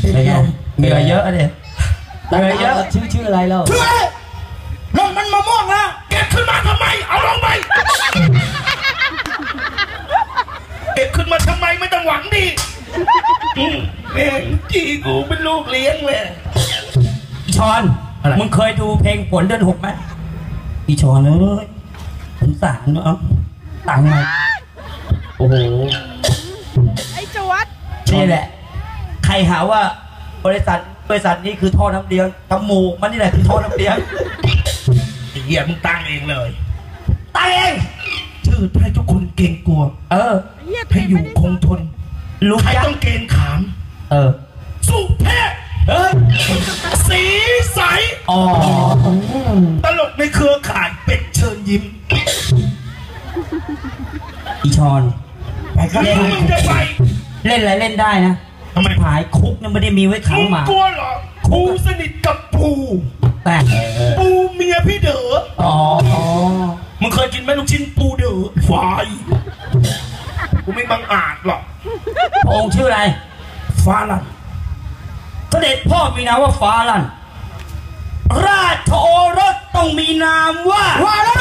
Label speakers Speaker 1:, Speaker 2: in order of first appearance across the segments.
Speaker 1: เหนื่อยเยอะเลยเหนื่อยเยอะชื่ออะไรเรา
Speaker 2: ชื่ออะไรนั่นมันมะม่วงนะเก็บขึ้นมาทำไมเอาลงไปเก็บขึ้นมาทำไมไม่ต้องหวังดีแม่จีกูเป็นลูกเลี้ยงเลย
Speaker 1: ชอนมึงเคยดูเพลงฝนเดือน6ไหมอีชอนเอ้ยสงสารเนาะตังค์มาโอ้โห
Speaker 3: ไอ้จวด
Speaker 1: นี่แหละใครหาว่าบริษัทนี้คือท่อน้ำเลี้ยงจมูกมันนี่แหละคือท่อน้ำเลี้ยง
Speaker 2: ไอ้เหี้ยมึงตั้งเองเลย
Speaker 1: ตั้งเอง
Speaker 2: ชื่อให้ทุกคนเกรงกลัวให้อยู่คงทน
Speaker 1: รู้
Speaker 2: ใครต้องเกณฑ์ขามสุเทพสีใสตลกในเครือข่ายเป็ดเชิญยิ้ม
Speaker 1: อีชอน
Speaker 2: ไปครับมึงจะไป
Speaker 1: เล่นอะไรเล่นได้นะ
Speaker 2: ทำไม
Speaker 1: หายคุกเนี่ยไม่ได้มีไว้ขังหมาก
Speaker 2: ลัวเหรอปูสนิทกับปู
Speaker 1: แต่
Speaker 2: ปูเมียพี่เด๋อมึงเคยกินไหมลูกชิ้นปูเด๋อฝายกูไม่บังอาจหรอก
Speaker 1: องค์ชื่ออะไร
Speaker 2: ฟ้าลัน
Speaker 1: เสด็จพ่อมีนามว่าฟ้าลันราชโอรสต้องมีนามว่า
Speaker 2: อะไร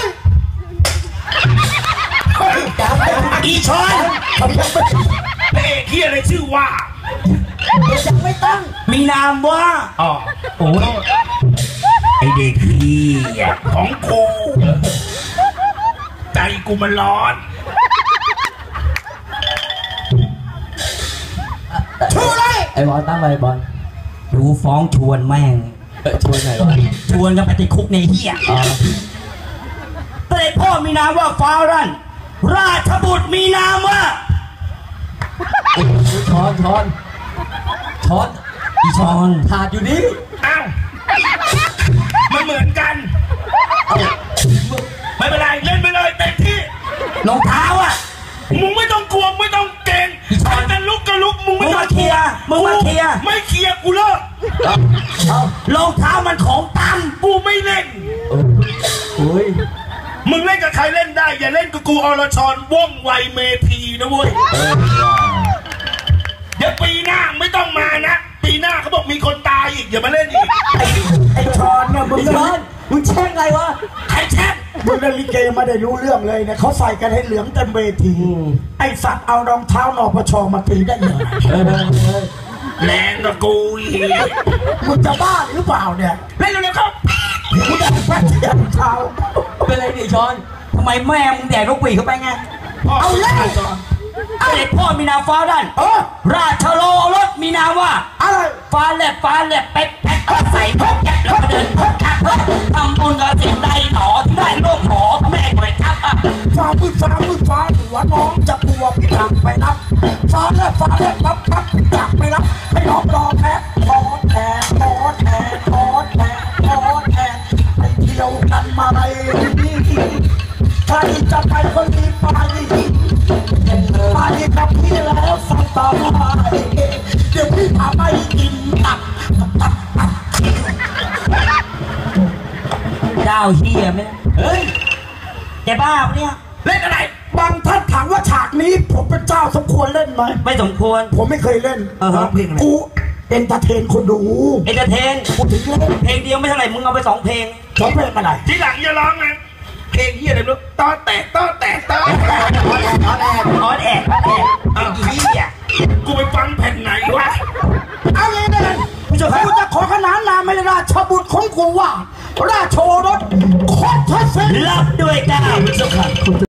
Speaker 1: อีชอน
Speaker 2: เอกที่อะไรชื่อว่า
Speaker 1: ยังไม่ตั้งมีนามว่า
Speaker 2: โอ้ไอเด็กพี่ของกูใจกูมันร้อนชื่ออะไร
Speaker 1: ไอ้บอลตั้งไว้บอลดูฟ้องชวนแม่งชวนไหนวะชวนกันไปติดคุกในเหี้ยเสด็จพ่อมีนามว่าฟ้าลั่นราชบุตรมีนามว่าช้อนอีช้อนถาดอยู่นี่
Speaker 2: อ้าวมันเหมือนกันไม่เป็นไรเล่นไปเลยเต็มที่
Speaker 1: รองเท้า
Speaker 2: มึงไม่ต้องกลัวไม่ต้องเก่งแต่ลุกก็ลุกมึงไม่ต้อง
Speaker 1: เคลียร์ไม่เคลีย
Speaker 2: ร์กูเลิก
Speaker 1: รองเท้ามันของตัน
Speaker 2: กูไม่เล่นมึงเล่นกับใครเล่นได้อย่าเล่นกับกูอรชรว่องไวเมธีนะเว้ยเดี๋ยวปีหน้าไม่ต้องมานะปีหน้าเขาบอกมีคนตายอีกอย่ามาเล่นอีก
Speaker 1: ไอ้ชอนเนี่ยมึงแช่งไงวะ
Speaker 2: ใครแช่ง
Speaker 4: มึงเล่นลิเกไม่ได้รู้เรื่องเลยเนี่ยเขาใส่กันให้เหลืองเต็มเวทีไอสัตว์เอารองเท้านปชมาตีได้ยังไง
Speaker 2: แรงกับกู
Speaker 4: มึงจะบ้าหรือเปล่าเนี่ย
Speaker 2: เล่นเร็วๆครับ
Speaker 4: มึงได้แป๊บเดียวเท้า
Speaker 1: เป็นไรดิชอนทำไมแม่มึงแดกลูกปีเข้าไปไง
Speaker 4: เอาเล่น
Speaker 1: เสด็จพ่อมีนามฟ้าดันราชโลรสมีนามว่า
Speaker 4: อะไร
Speaker 1: ฟ้าแลบเป๊ะใส่พกแก๊ปแล้วก็เดินพกแก๊ปทำบุญกับสิ่งใดหนอที่ได้โลกหอแม่หน่วยทัพ
Speaker 4: ฟ้ามืดหัวน้องจะกลัวพี่หลังไปนับฟ้าแลบปั๊บจับไปรับให้น้องรอแพ้ทอดแทนไปเที่ยวกันมาไรนี่ใครจะไปก็รีบไปกับพี่แล้วสักต่อไปเดี๋ยวพี่พาไปกินตับ
Speaker 1: เจ้าเฮียไหมเฮ้ยแกบ้าปะเนี่ย
Speaker 2: เล่นอะไร
Speaker 4: บางท่านถามว่าฉากนี้ผมเป็นเจ้าสมควรเล่นไหม
Speaker 1: ไม่สมควร
Speaker 4: ผมไม่เคยเล่น
Speaker 2: เพลงอะไร
Speaker 4: กูเอนเตอร์เทนคนดู
Speaker 1: เอนเตอร์เทน
Speaker 4: กูถึงเล่น
Speaker 1: เพลงเดียวไม่เท่าไหร่มึงเอาไป2 เพลง
Speaker 4: 2 เพลงอะไร
Speaker 2: ทีหลังอย่าร้องนะเพลงเฮียอะไรลูกต้อแตก
Speaker 1: ออนแอกอีเหี้ย
Speaker 2: กูไปฟังแผ่นไหนวะ
Speaker 4: เอาเลยนะกูจะขอขนานนามให้ราชบุตรของกูว่าราชโอรสโคตรเสด็จ
Speaker 1: รับด้วยก้าว